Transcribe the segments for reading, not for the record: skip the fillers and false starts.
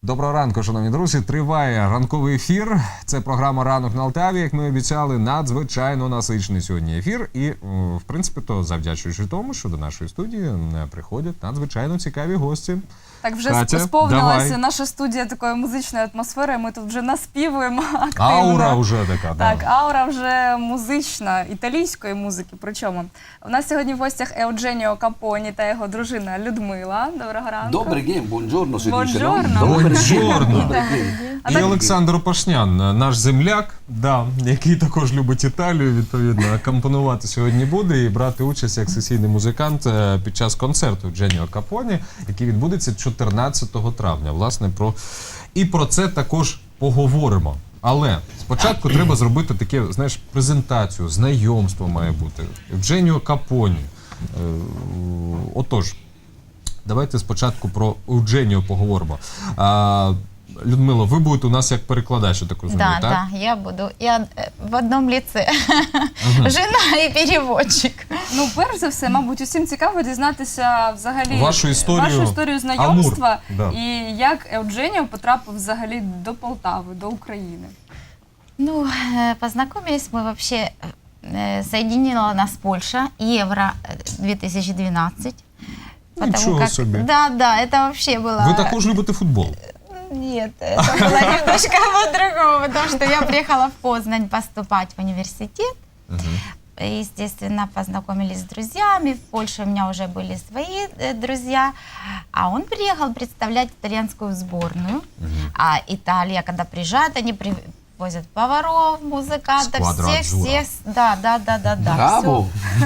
Доброго ранку, шановні друзі. Триває ранковий ефір. Це програма «Ранок на Алтаві», як ми обіцяли, надзвичайно насичений сьогодні ефір. І, в принципі, то завдячуючи тому, що до нашої студії приходять надзвичайно цікаві гості. Так, вже Катя, сповнилася давай. наша студія такою музичною атмосферою, ми тут вже наспівуємо активно. Аура вже така, Так, да. аура вже музична, італійської музики. Причому у нас сьогодні в гостях Еудженіо Капоні та його дружина Людмила. Доброго ранку. Добрий день, buongiorno si dice, no? Buongiorno. Buongiorno. Добрий день. І Олександр Опашнян, наш земляк, да, який також любить Італію, відповідно, акомпонувати сьогодні буде і брати участь як сесійний музикант під час концерту Еудженіо Капоні, який відбудеться 14 травня. Власне, про це також поговоримо. Але спочатку треба зробити таке, знаєш, презентацію, знайомство має бути. Еудженіо Капоні. Отож, давайте спочатку про Еудженіо поговоримо. Людмила, ви будете у нас як перекладач, я так розумію, Да, так? да, я буду. Я в одном лице. Жена і переводчик. Ну, перш за все, мабуть, усім цікаво дізнатися взагалі Вашу історію знайомства Амур, да. і як Еудженіо потрапив взагалі до Полтави, до України. Ну, познакомились мы вообще, соединила нас Польша, Евро 2012. Ничего себе. Да, это вообще было... Ви також любите футбол? Нет, это было немножко по-другому, потому что я приехала в Познань поступать в университет. Естественно, познакомились с друзьями. В Польше у меня уже были свои друзья. А он приехал представлять итальянскую сборную. А Италия, когда приезжает, они привозят поваров, музыкантов, Сквадра всех. Да. Браво!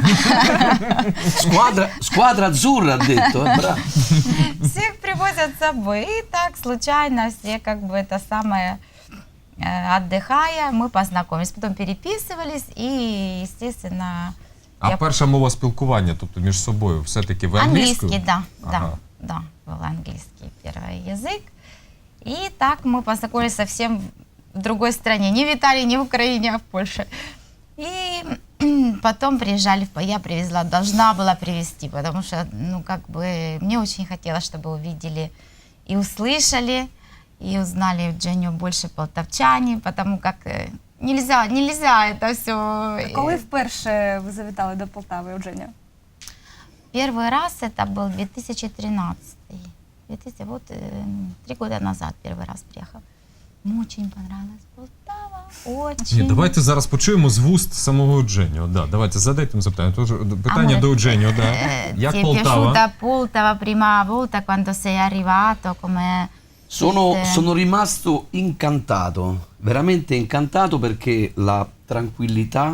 Squadra azzurra, ha detto, bravo. Всех привозят с собой. И так случайно все как бы это самое... Отдыхая, мы познакомились, потом переписывались и, естественно... А перша мова спілкування, тобто між собою, все-таки в англійську? Английский, Ага. да, был английский первый язык. И так мы познакомились совсем в другой стране, не в Италии, не в Украине, а в Польше. И потом приезжали, я привезла, должна была привезти, потому что, ну, как бы, мне очень хотелось, чтобы увидели и услышали, и узнали Евджению больше полтавчане, потому как нельзя это все. Коли вперше ви завітали до Полтави, Еудженіо? Первый раз это был 2013. Вот 3 года назад первый раз приехал. Мне очень понравилась Полтава, очень. Ні, давайте зараз почуємо з вуст самого Еудженіо. Да, давайте задайте їм запитання. Тож, питання до Еудженіо, да. Як Ti è Полтава? piaciuta Poltava prima volta quando sei arrivato? Come... Sono rimasto incantato, veramente incantato perché la tranquillità,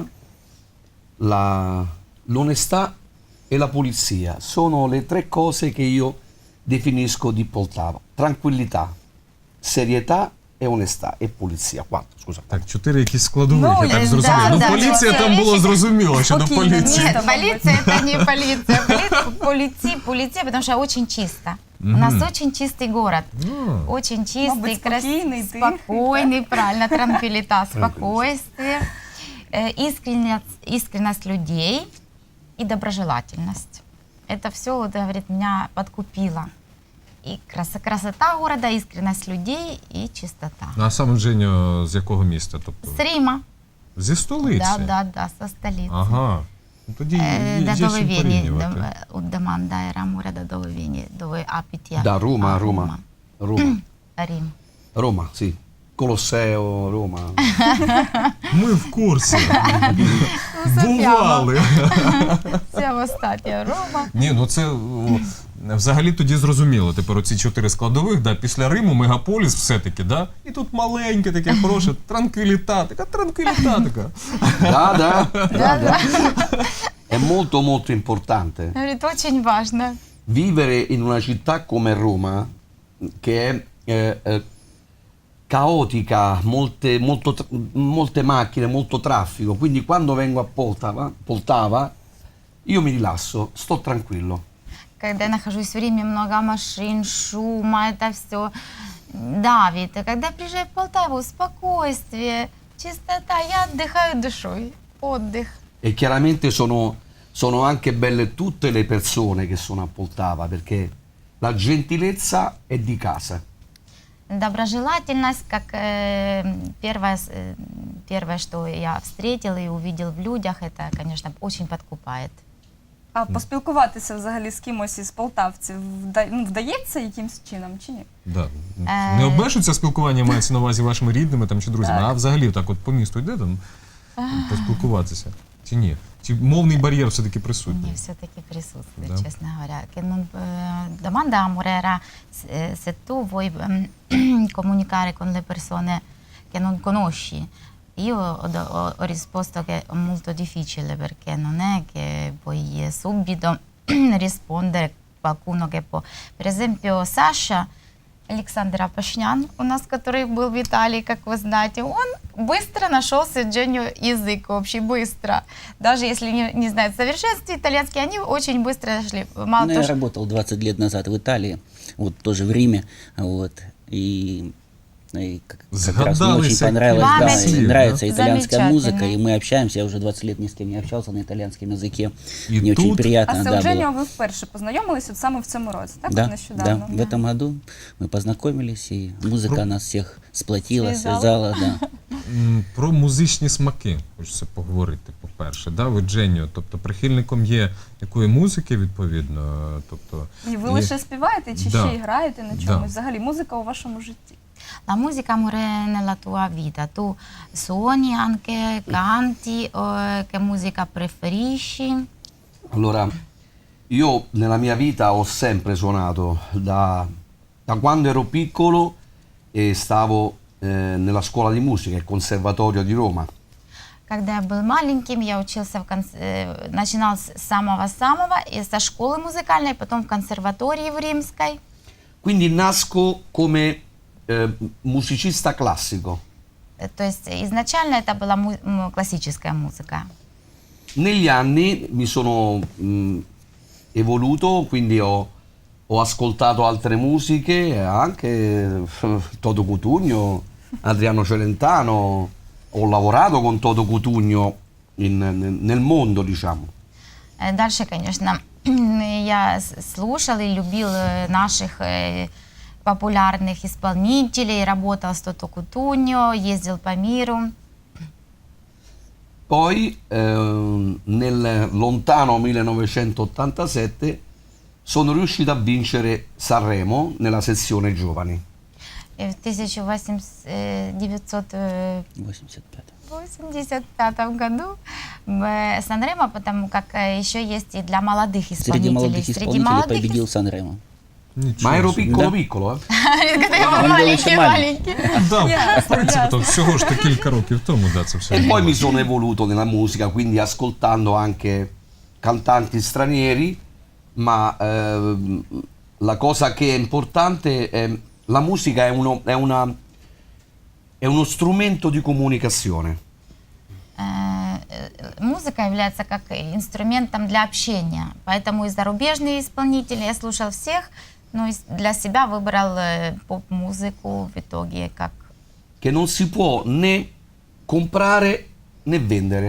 l'onestà e la pulizia sono le tre cose che io definisco di Poltava. Tranquillità, serietà e onestà e pulizia. 4, scusa. Так, 4 якісь складових, Ну, я так да, зрозумів. Ну, да, поліція да, там було речі- зрозуміло, що до Спокійно, поліції. ні. Нет, полиция это не полиция. Полиция, потому что очень чисто. У нас очень чистый город. Ну, Очень чистый, Мабуть, спокійний, тихий. спокойный, правильно, транквилита, спокойствие, искренность людей и доброжелательность. Это все, вот, говорит, меня подкупило. И красота города, искренность людей и чистота. а сам Еудженіо з якого міста? Тобто, С Рима. зі столиці? Да, со столицы. Ага. Ну, тоді До є чим Довевени, порівнювати. от Даманда Мура до Довевени, до Апития. Da Roma, Roma. Рим. Roma, sì. Colosseo, Roma. Ми в курсі. Бували. Це статія Рома. Ні, ну це взагалі тоді зрозуміло. Тепер оці 4 складових, да, після Риму мегаполіс все-таки, да? І тут маленьке таке хороше, транквіліта така. Da. È molto molto importante. Говорить, очень важно. Vivere in una città come Roma, che è caotica, molte macchine, molto traffico, quindi quando vengo a Poltava, io mi rilasso, sto tranquillo. Когда я нахожусь в Риме, много машин, шума, это все давит. А когда приезжаю в Полтаву, спокойствие, чистота, я отдыхаю душой. Отдых. E chiaramente sono anche belle tutte le persone che sono a Poltava, perché la gentilezza è di casa. Доброжелательность, как первое, что я встретил и увидел в людях, это, конечно, очень подкупает. А поспілкуватися взагалі з кимось із полтавців вдається якимсь чином чи ні? Да. Не обмежується спілкування, мається на увазі вашими рідними там, чи друзями, Так. а взагалі так от по місту йде там поспілкуватися? Чи ні? Чи мовний бар'єр все-таки присутній? Не, все-таки присутствует, Да. честно говоря. Che non, domanda amore se tu vuoi comunicare con le persone che non conosci. Io ho risposto che è molto difficile perché non è che puoi subito rispondere a qualcuno che può. Per esempio Саша, Александр Апашнян, у нас, который был в Италии, как вы знаете, он быстро нашел с Евгением язык общий, быстро. Даже если не знает в совершенстве итальянский, они очень быстро нашли. Мало Ну, того, я что- работал 20 лет назад в Италии, вот тоже в Риме, вот, и как раз мне Сгадались очень всякие понравилось, да, памяти. и нравится Да. итальянская музыка, Замечательно. и мы общаемся, я уже 20 лет ни с кем не общался на итальянском языке, И мне очень тут- приятно, А з да, было. Евгенією ви вперше познайомились от саме в цьому році, так? Да, От да, нещодавно. в этом году мы познакомились, и музыка нас всех сплотила, Связала. связала, да. Про музичні смаки хочеться поговорити, по-перше. Да? Ви Дженіо, тобто прихильником є якої музики, відповідно? Тобто, І ви лише співаєте чи Да. ще й граєте на Да. чомусь? Взагалі музика у вашому житті? La musica amore nella tua vita, tu suoni anche, canti, che musica preferisci? Allora, io nella mia vita ho sempre suonato, da quando ero piccolo e stavo nella scuola di musica, il Conservatorio di Roma. Когда я был маленьким, я учился начинал с самого-самого, и со школы музыкальной, потом в консерватории в Римской. Quindi nasco come musicista classico. То есть изначально это была классическая музыка. Negli anni mi sono evoluto, quindi ho ascoltato altre musiche, anche Toto Cutugno, Adriano Celentano, ho lavorato con Toto Cutugno nel mondo, diciamo. Дальше, конечно, я слушал и любил наших популярных исполнителей, работал с Тото Кутуньо, ездил по миру. Poi nel lontano 1987 sono riuscito a vincere Sanremo nella sezione giovani. И в 1985 85. году Санремо, потому как еще есть и для молодых Среди исполнителей. молодых исполнителей победил Санремо. Ma ero собі. piccolo Да. piccolo, eh? Когда я был Он был маленький, еще маленький. Да, в Ясно, принципі, ясно. то всього ж то кілька років тому, да, це все. E poi mi sono evoluto nella musica, quindi ascoltando anche cantanti stranieri, ma la cosa che è importante è la musica è uno strumento di comunicazione. Музыка является как инструментом для общения. Поэтому и зарубежные исполнители, я слушал всех, но для себя выбрал поп-музыку в итоге как Che non si può né comprare né vendere.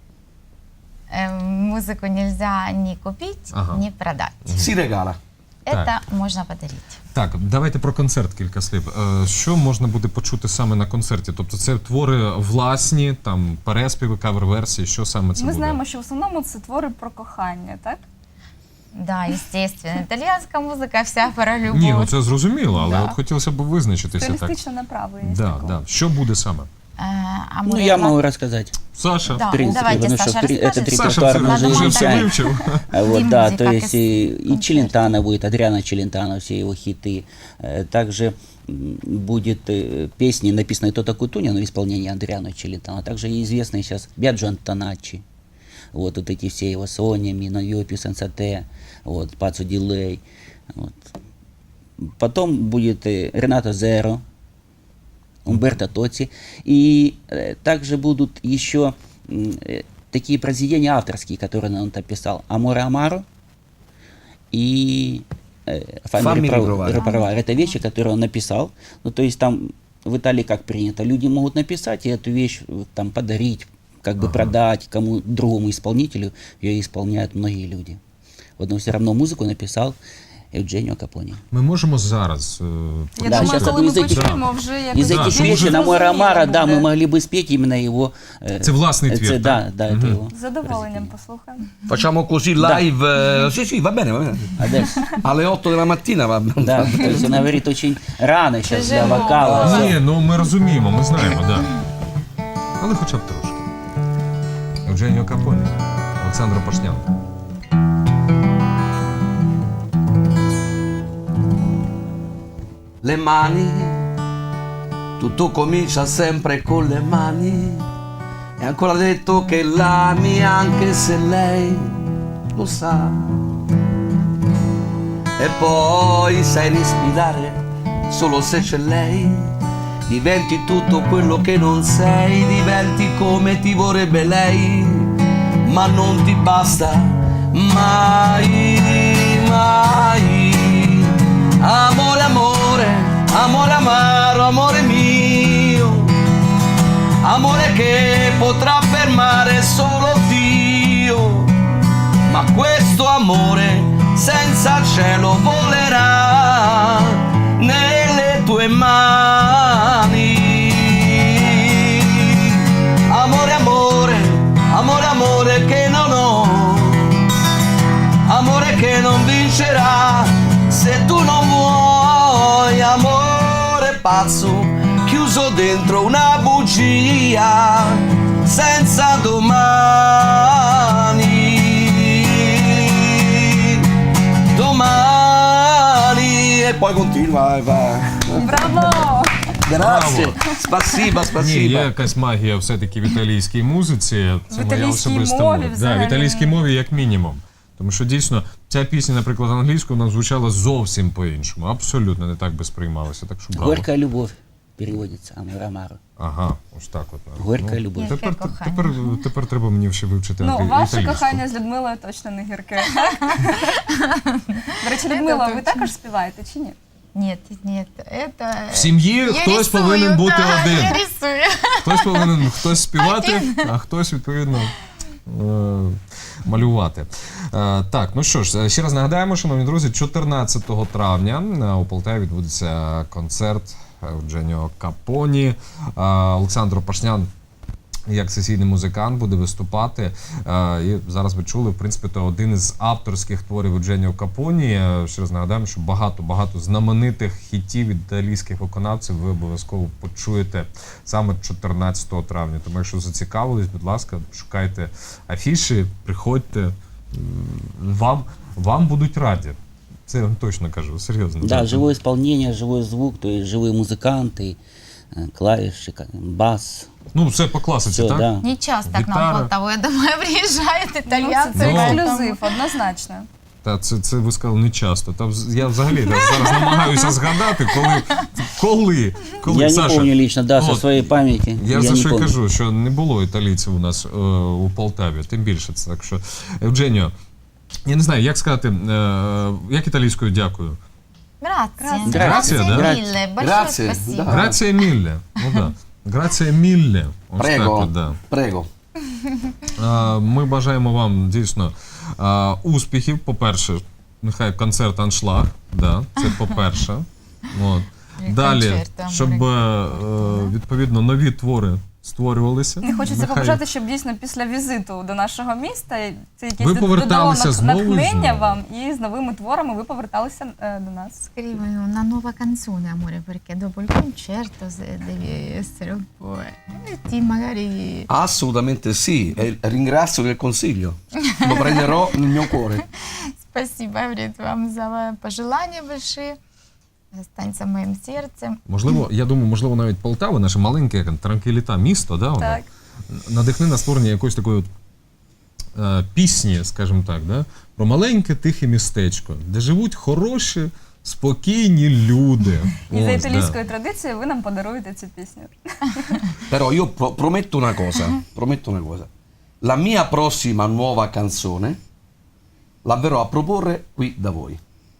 Музыку нельзя ни купить, Ага. ни продать. Si regala. Это можно подарить. Так, давайте про концерт кілька слів. Що можна буде почути саме на концерті? Тобто це твори власні, там переспіви, кавер-версії, що саме це Ми буде? знаємо, що в основному це твори про кохання, так? Да, естественно. Итальянская музыка вся про любовь. Ні, ну це зрозуміло, але Да. от хотілося б визначитися так. Стилістична направленість. Да, такого. да. Що буде саме? А Ну, мы я ла- могу рассказать. Саша, Да, В принципе, давайте, потому что Саша, этот расскажет. Саша репертуар це мы Надо уже вже все монтаж. изучаем. вивчив. Вот, да, Музыка, то как есть и концерт. Челентано будет, Адриано Челентано, все его хиты. Также будет песни, написанные Тото Кутуньо, но в исполнении Адриано Челентано. Также и известный сейчас Биаджо Антоначчи. Вот эти все его Соня, Мино Йопи, Сенсате, вот, Пацо Дилей. Вот. Потом будет Ренато Зеро, Умберто Тоци. И также будут еще такие произведения авторские, которые он написал. Аморе Амаро и Fammi riprovare. Репровар. Это вещи, которые он написал. Ну, то есть там в Италии как принято, люди могут написать и эту вещь там подарить, как бы продать кому другому исполнителю, ее исполняют многие люди. Вот он все равно музыку написал Евдженио Капони. Ми можемо зараз. Я Да, думаю, щас коли ми одну із почуємо, вже якось Из этих что більш песен зрозуміло Амора Амара, да, буде. мы могли бы спеть именно его... Це власний твір, Да, да, это его. З задоволенням послухаємо. Facciamo così live. Sì, sì, va bene, va bene. Аdesso. Alle 8 della mattina va bene. Да, то есть она говорит очень рано сейчас для Тяжело. вокала. Ні, ну ми розуміємо, ми знаємо, так. Да. Але хоча б трошки. Евдженіо Капоні, Олександр Пашнян. Le mani, tutto comincia sempre con le mani. E ancora detto che l'ami anche se lei lo sa. E poi sai respirare solo se c'è lei. Diventi tutto quello che non sei, diventi come ti vorrebbe lei. Ma non ti basta mai, mai. Amore, amore, amore amaro, amore mio. Amore che potrà fermare solo Dio. Ma questo amore senza cielo volerà nelle tue mani. Amore, amore, amore, amore che non ho. Amore che non vincerà se tu non vuoi. Amore pazzo chiuso dentro una bugia senza domani. Domani e poi continua e va. Браво! Grazie, spasiba, Ні, spasiba. є якась магія все-таки в італійській музиці. Це В моя італійській особиста мові мова. Да, взагалі. в італійській мові як мінімум. Тому що дійсно ця пісня, наприклад, англійською вона звучала зовсім по-іншому. Абсолютно не так би сприймалася. Так що браво. Горькая любовь переводится Амора Амара. Ага, ось так от. Горькая любовь. Тепер, Гірке тепер треба мені ще вивчити Ну, ваше італійську. кохання з Людмилою точно не гірке. До речі, Людмила, ви також співаєте чи ні? Нет, нет, это... В сім'ї Я хтось рисую, повинен бути да, один. Я рисую. Хтось повинен співати, а хтось, відповідно, малювати. Так, ну що ж, ще раз нагадаємо, шановні друзі, 14 травня у Полтаві відбудеться концерт Евдженіо Капоні. Олександр Пашнян як сесійний музикант буде виступати. І зараз ви чули, в принципі, то один із авторських творів Евдженіо Капоні. Ще раз нагадаємо, що багато знаменитих хітів від італійських виконавців ви обов'язково почуєте саме 14 травня. Тому якщо зацікавились, будь ласка, шукайте афіші, приходьте, вам будуть раді. Це я вам точно кажу, серйозно. Да, живое исполнение, живой звук, то есть живые музыканты, клавиши, бас. Ну, все по класиці, Все, так? да. Не часто к Гитара. нам в Полтаву, я думаю, приезжают Ну, итальянцы. це Ну. ексклюзив, однозначно. Та це ви сказали не часто. Та я взагалі зараз намагаюся згадати, коли Я Саша, не помню лично, да, со от, своей памяти. Я за не що й помню. кажу, що не було італійців у нас у Полтаві, тим більше це. Так що, Евдженіо, я не знаю, як сказати, як італійською дякую. Грация. Грация, да? милая. Большое Грация, спасибо. да. Грація мілле. Ну да. Грація мілле. Ось так Prego, от, да. prego. Ми бажаємо вам дійсно успіхів. По-перше, нехай концерт аншлаг, да, це по-перше. От. Далі, концерт, щоб відповідно нові твори створювалися. Не хочеться Нехай- побажати, щоб дійсно після візиту до нашого міста це якесь Ви поверталися знову і натхнення знову. вам, і з новими творами ви поверталися до нас. Scrivo una nuova canzone, amore, perché dopo il concerto devi essere un po'... Ti magari... Assolutamente sì, e ringrazio del consiglio. Lo prenderò nel mio cuore. Спасибо, говорит, вам за пожелания большие. Останется в моем сердце. Можливо, я думаю, можливо, навіть Полтава, наше маленьке транквіліта місто, да, воно, Так. надихне на створення якоїсь такої от, пісні, скажімо так, да, про маленьке тихе містечко, де живуть хороші, спокійні люди. І за Ось, да. італійською традицією ви нам подаруєте цю пісню. Però io prometto una cosa. La mia prossima nuova canzone la verrò a proporre qui da voi.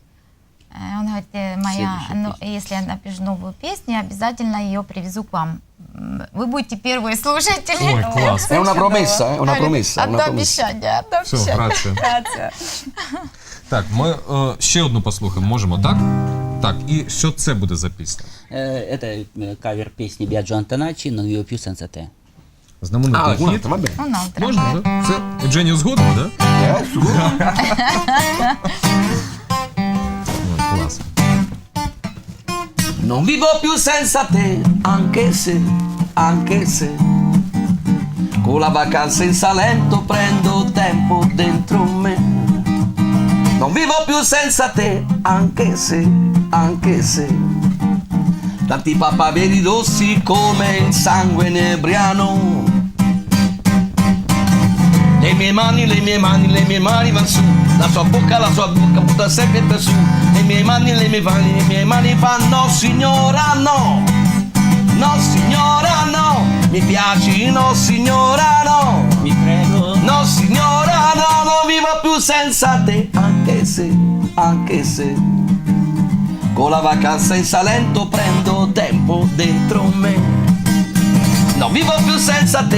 Он говорит, если я напишу новую песню, обязательно ее привезу к вам. Вы будете первые слушатели. Ой, клас. È una promessa, è una Говорит, promessa, è una одно promessa. обещание, одно Все, обещание. грація. Грація. Так, ми ще одну послухаємо, можемо, так? Так, і що це буде за пісня? Это кавер песни Биаджо Антоначчи «Non vivo più senza te». Знаменитий Ah, хіт. guarda, va bene. Un'altra. Можна, так? Це Евдженіо згоден, так? Ой, клас. Non vivo più senza te, anche se con la vacanza in Salento prendo tempo dentro me. Non vivo più senza te, anche se tanti papaveri rossi come il sangue inebriano. Le mie mani van su, la sua bocca butta sempre per su. Le mie mani fanno no signora no, no signora no, mi piaci no signora no, Mi prego. no signora no, non vivo più senza te, anche se con la vacanza in Salento prendo tempo dentro me. Non vivo più senza te,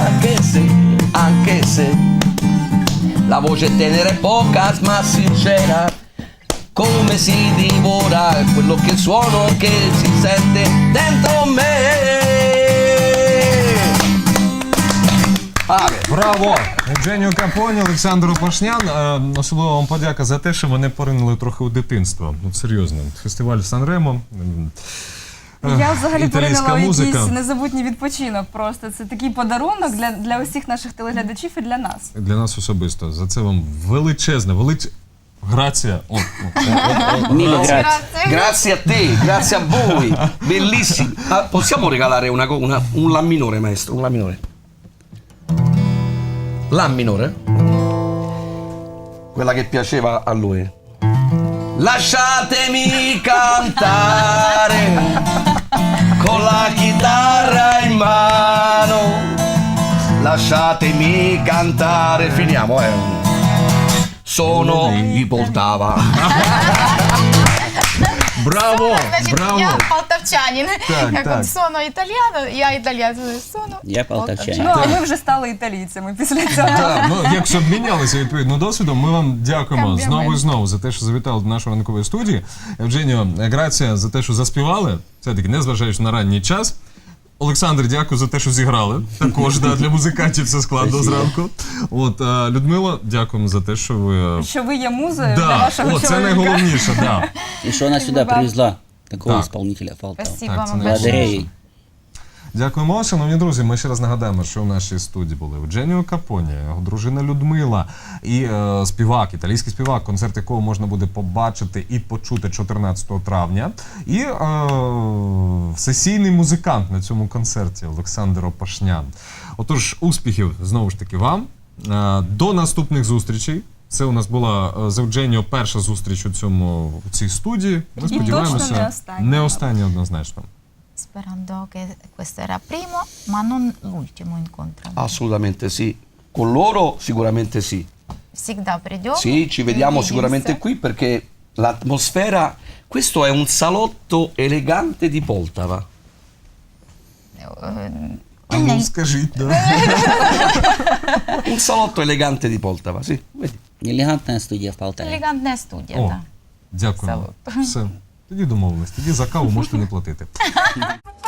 anche se la voce tenera è poca ma sincera, come si divora quello che suono che si sente dentro me. Браво! Евдженіо Капоні, Олександр Опашнян. Особливо вам подяка за те, що мене поринули трохи у дитинство. Ну, серйозно. Фестиваль Сан-Ремо. Я взагалі італійська поринила в музика. якийсь незабутній відпочинок просто. Це такий подарунок для усіх наших телеглядачів і для нас. Для нас особисто. За це вам величезне, Грація. Mille grazie. Grazie a te, grazie a voi, bellissimo. Ah, possiamo regalare un La minore, maestro, un La minore. La minore? Quella che piaceva a lui. Lasciatemi cantare con la chitarra in mano. Lasciatemi cantare, finiamo, Sono di Poltava. Браво! Значит, Браво! я полтавчанин. Так, Как так. он соно итальяно, я итальянец, соно. Я полтавчанин. Ну, а ми вже стали італійцями після цього. Так, ну, якщо обмінялися відповідно досвідом, ми вам дякуємо Комплімент. знову і знову за те, що завітали до нашої ранкової студії. Евдженіо, грація за те, що заспівали, все-таки незважаючи на ранній час. Олександр, дякую за те, що зіграли. Також для музикантів це складно зранку. От, Людмила, дякуємо за те, що ви... Що ви є музою для вашого О, це чоловіка. найголовніше, да. И что она сюда привезла такого Так. исполнителя Полтава. Спасибо Так, це вам найголовніше. Благодаря большое. ей. Дякуємо, шановні друзі. Ми ще раз нагадаємо, що у нашій студії були Евдженіо Капоні, його дружина Людмила і співак, італійський співак, концерт якого можна буде побачити і почути 14 травня. І сесійний музикант на цьому концерті Олександр Опашнян. Отож, успіхів знову ж таки вам. До наступних зустрічей. Це у нас була з Евдженіо перша зустріч у цій студії. Ми І сподіваємося, точно не остання. не остання однозначно. Sperando che questo era primo, ma non l'ultimo incontro. Assolutamente sì. Con loro sicuramente sì. Всегда придем. Sì, ci vediamo увидимся. sicuramente qui perché l'atmosfera... Questo è un salotto elegante di Poltava. А ну, скажіть, да. Un salotto elegante di Poltava, sì. Vedi. Элегантная студия в Полтаве. Элегантная студия, О, да. дякуємо. Салют. Все. Тоді домовились. Тоді за каву можете не платити.